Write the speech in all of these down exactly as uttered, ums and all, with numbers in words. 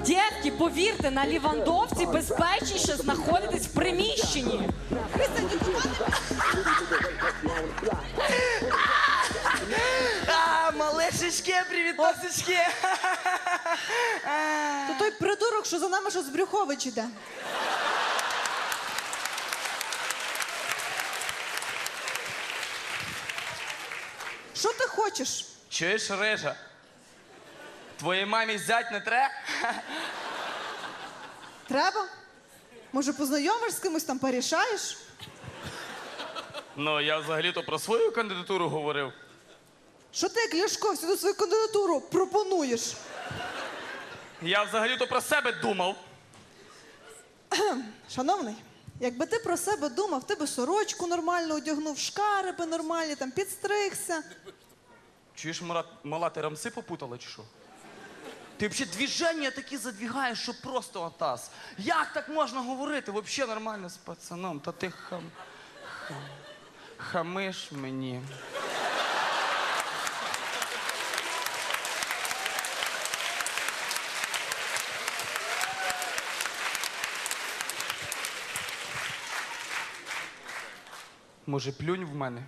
Дітки, повірте, на Лівандовці безпечніше знаходитись в приміщенні. А, малешечки, привітосечки. То той придурок, що за нами, що з Брюхович іде. Що ти хочеш? Чуєш, Рижа? Твоїй мамі зять не тре? Треба? Може, познайомиш з кимось там, порішаєш? Ну, я взагалі-то про свою кандидатуру говорив. Що ти, як Ляшко, всю свою кандидатуру пропонуєш? Я взагалі-то про себе думав. Шановний, якби ти про себе думав, ти би сорочку нормально одягнув, шкариби нормальні, там, підстригся. Чуєш, Марат, мала, ти рамси попутала чи що? Ти взагалі движення такі задвігаєш, що просто атас. Як так можна говорити? Взагалі нормально з пацаном. Та ти хам... хам... хамиш мені. Може, плюнь в мене?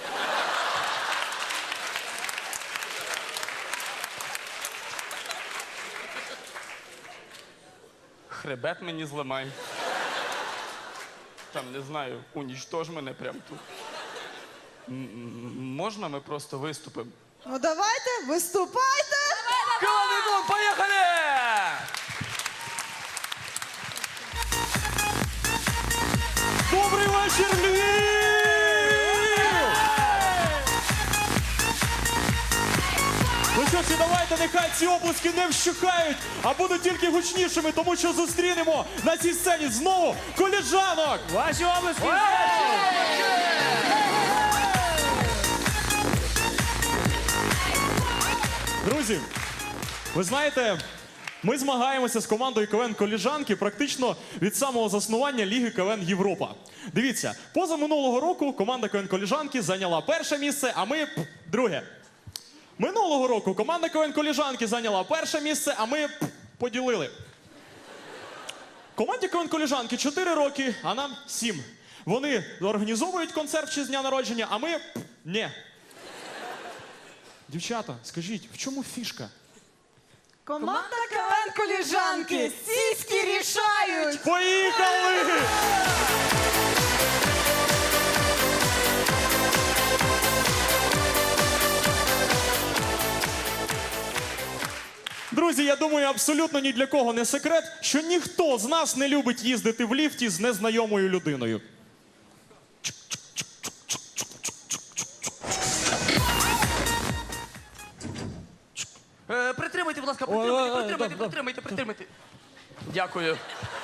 Хребет мені зламай. Там, не знаю, унічтож мене прямо тут. М-м, можна ми просто виступимо? Ну давайте, виступайте! Калавікон, поїхали! Добрий вечір, Львів! Ну що ж, і давайте, нехай ці оплески не вщухають, а будуть тільки гучнішими, тому що зустрінемо на цій сцені знову коліжанок! Ваші оплески! Друзі, ви знаєте, ми змагаємося з командою КВН «Коліжанки» практично від самого заснування Ліги КВН Європа. Дивіться, позаминулого року команда КВН «Коліжанки» зайняла перше місце, а ми пф, друге. Минулого року команда КВН «Коліжанки» зайняла перше місце, а ми пф, поділили. Команді КВН «Коліжанки» чотири роки, а нам сім. Вони організовують концерт в честь дня народження, а ми пф, ні. Дівчата, скажіть, в чому фішка? Команда КВН «Коліжанки» сіськи рішають! Поїхали! Друзі, я думаю, абсолютно ні для кого не секрет, що ніхто з нас не любить їздити в ліфті з незнайомою людиною. Е, притримайте, будь ласка, притримайте, притримайте, притримайте, притримайте. Дякую.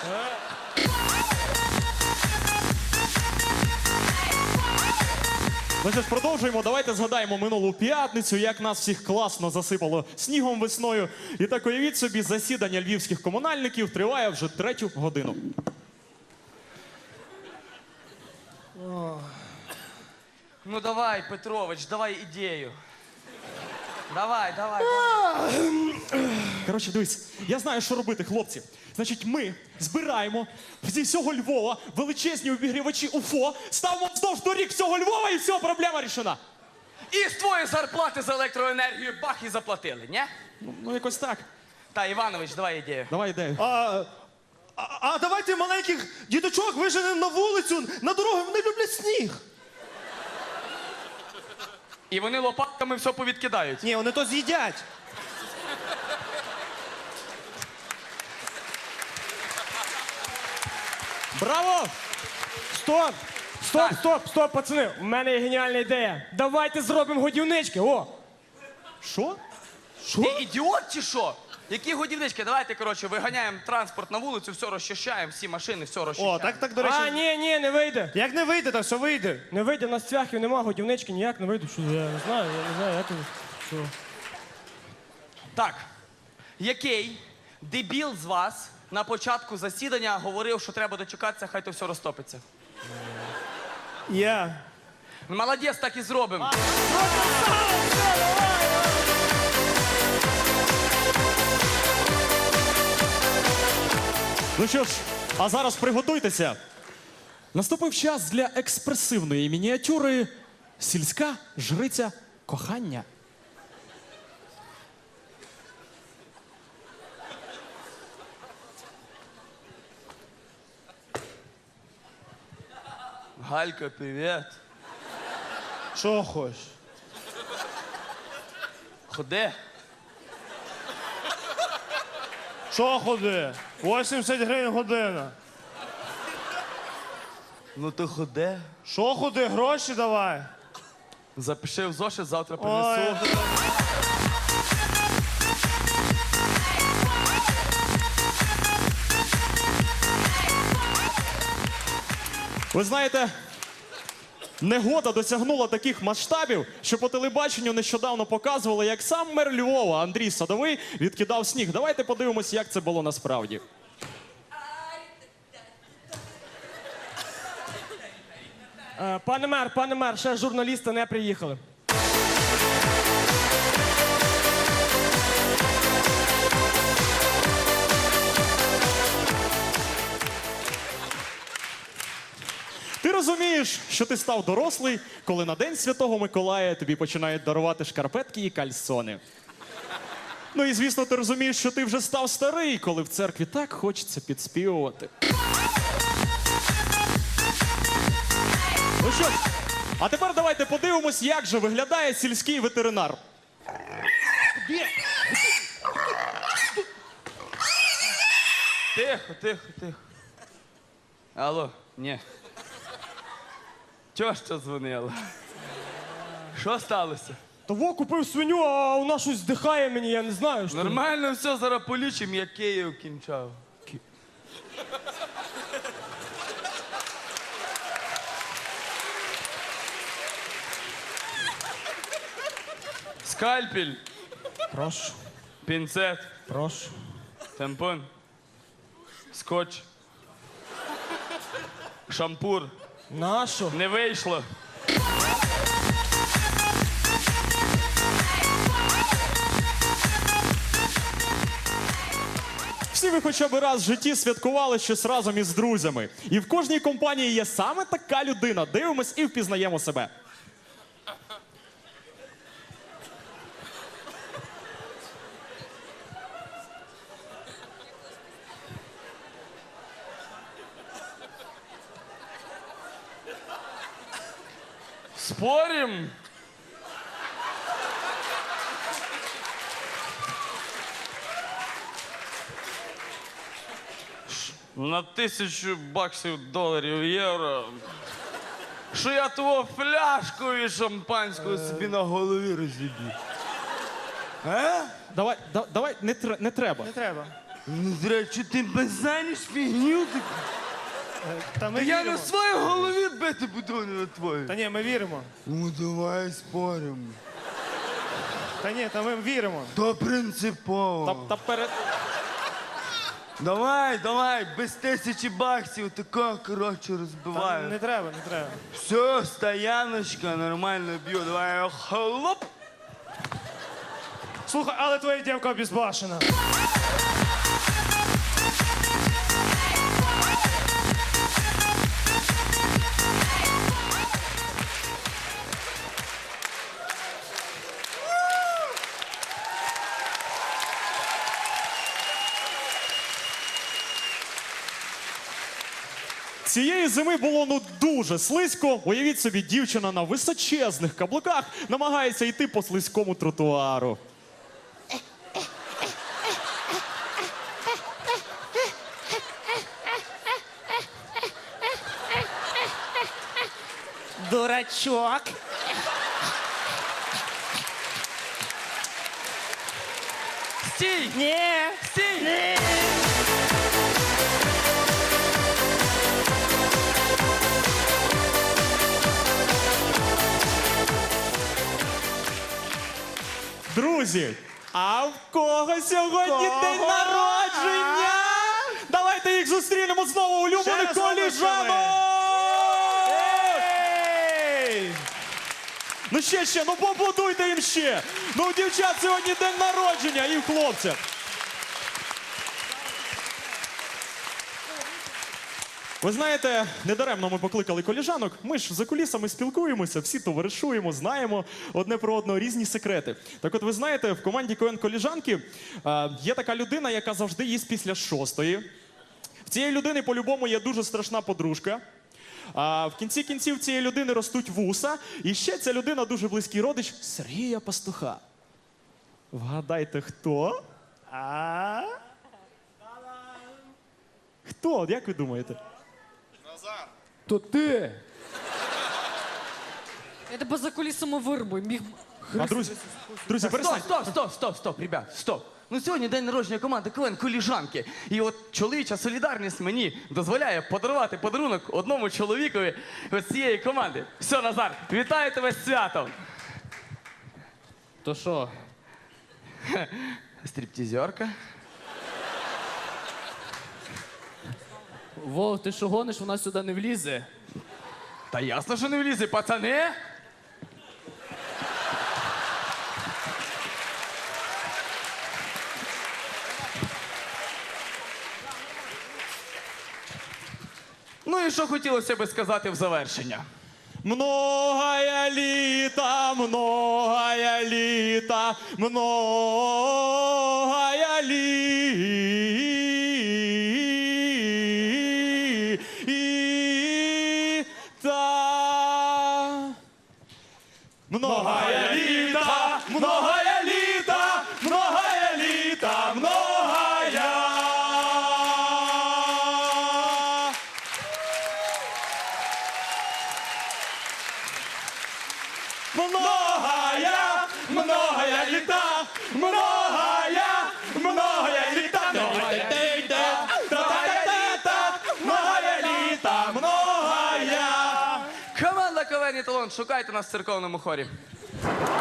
Ну що ж, продовжуємо. Давайте згадаємо минулу п'ятницю, як нас всіх класно засипало снігом весною. І так уявіть собі, засідання львівських комунальників триває вже третю годину. Ну давай, Петрович, давай ідею. Давай, давай. Коротше, дивись, я знаю, що робити, хлопці. Значить, ми збираємо зі всього Львова величезні обігрівачі УФО, ставимо вздовж доріг всього Львова і все, проблема рішена. І з твоєї зарплати за електроенергію бах і заплатили, ні? Ну, ну якось так. Та, Іванович, давай ідею. Давай ідею. А, а, а давайте маленьких діточок виженемо на вулицю, на дорогу, вони люблять сніг. І вони лопатками все повідкидають. Ні, вони то з'їдять. Браво! Стоп! Стоп, стоп, стоп, пацани! У мене є геніальна ідея. Давайте зробимо годівнички, о! Що? Ти ідіот чи що? Які годівнички? Давайте, коротше, виганяємо транспорт на вулицю, все розчищаємо, всі машини, все розчищаємо. О, так, так, до речі. А, ні, ні, не вийде. Як не вийде, то все вийде. Не вийде, у нас цвяхів нема, годівнички ніяк не вийде. Що, я не знаю, я не знаю, як це. Що? Так, який дебіл з вас на початку засідання говорив, що треба дочекатися, хай то все розтопиться? Я. Молодець, так і зробимо. Ну що ж, а зараз приготуйтеся. Наступив час для експресивної мініатюри «Сільська жриця кохання». Галька, привіт. Що хочеш? Ходи. Що ходи? вісімдесят гривень година. Ну то ходи. Що ходи? Гроші давай. Запиши в зошит, завтра Ой. принесу. Ви знаєте, негода досягнула таких масштабів, що по телебаченню нещодавно показували, як сам мер Львова Андрій Садовий відкидав сніг. Давайте подивимось, як це було насправді. Е, Пане мер, пане мер, ще журналісти не приїхали. Ти розумієш, що ти став дорослий, коли на День Святого Миколая тобі починають дарувати шкарпетки і кальсони. Ну і звісно, ти розумієш, що ти вже став старий, коли в церкві так хочеться підспівувати. Ну що ж, а тепер давайте подивимось, як же виглядає сільський ветеринар. Тихо, тихо, тихо. Алло, ні. Чого що дзвонила? Що сталося? Того купив свиню, а вона щось здихає мені, я не знаю. Що... Нормально все, зараз полічимо, я Київ кінчав. Скальпель, Прошу, пінцет, прошу. тампон, скотч, шампур. Нащо? Не вийшло. Всі ви хоча б раз в житті святкували щось разом із друзями. І в кожній компанії є саме така людина. Дивимось і впізнаємо себе. Спорим? Ш- На тисячу баксів, доларів, євро. Що я того фляжку і шампанського собі на голові розіб'ю. А? Давай, да, давай, не, тр- не треба. Не треба. Ну, зря, чи ти базаниш фігню? таку? Та ми Я віримо. на своїй голові бити буду, а не на твоїй. Та ні, ми віримо. Ну, давай споримо. Та ні, та ми віримо. То принципово. Та, та перед... Давай, давай, без тисячі баксів, тако, коротше, Та розбиваю. не треба, не треба. Все, стояночка, нормально б'ю, давай, хлоп. Слухай, але твоя дівка безбашена. Цієї зими було ну дуже слизько. Уявіть собі, дівчина на височезних каблуках намагається йти по слизькому тротуару. Дурачок. Стій! Ні. Стій! Ні. Друзі, а в кого сьогодні день народження? Давайте їх зустрінемо знову, улюблених раз обласками. коліжанок! Ей! Ну ще, ще, ну поаплодуйте їм ще! Ну у дівчат сьогодні день народження і в хлопців. Ви знаєте, недаремно ми покликали коліжанок. Ми ж за кулісами спілкуємося, всі товаришуємо, знаємо одне про одного різні секрети. Так от ви знаєте, в команді КВН Коліжанки е, є така людина, яка завжди їсть після шостої. В цієї людини по-любому є дуже страшна подружка. А в кінці кінців цієї людини ростуть вуса. І ще ця людина дуже близький родич Сергія Пастуха. Вгадайте, хто? А? Хто? Як ви думаєте? То ти. Я тебе за кулісами вирубую. Міг... А, друзі, друзі, Стоп, перестаньте. стоп, стоп, стоп, стоп, ребят, стоп. Ну сьогодні день народження команди КВН Коліжанки. І от чоловіча солідарність мені дозволяє подарувати подарунок одному чоловікові з цієї команди. Все, Назар, вітаю тебе з святом. То що? Стріптізерка. Вов, ти що гониш, вона сюди не влізе. Та ясно, що не влізе, пацани. Ну і що хотілося би сказати в завершення? Многая літа, многая літа, многая літа. Многая літа, многая літа, многая літа, многая. Многая, многая літа, многая, многая літа, многая літа, многая літа, многая. Команда КВН «Еталон», шукайте нас в церковному хорі.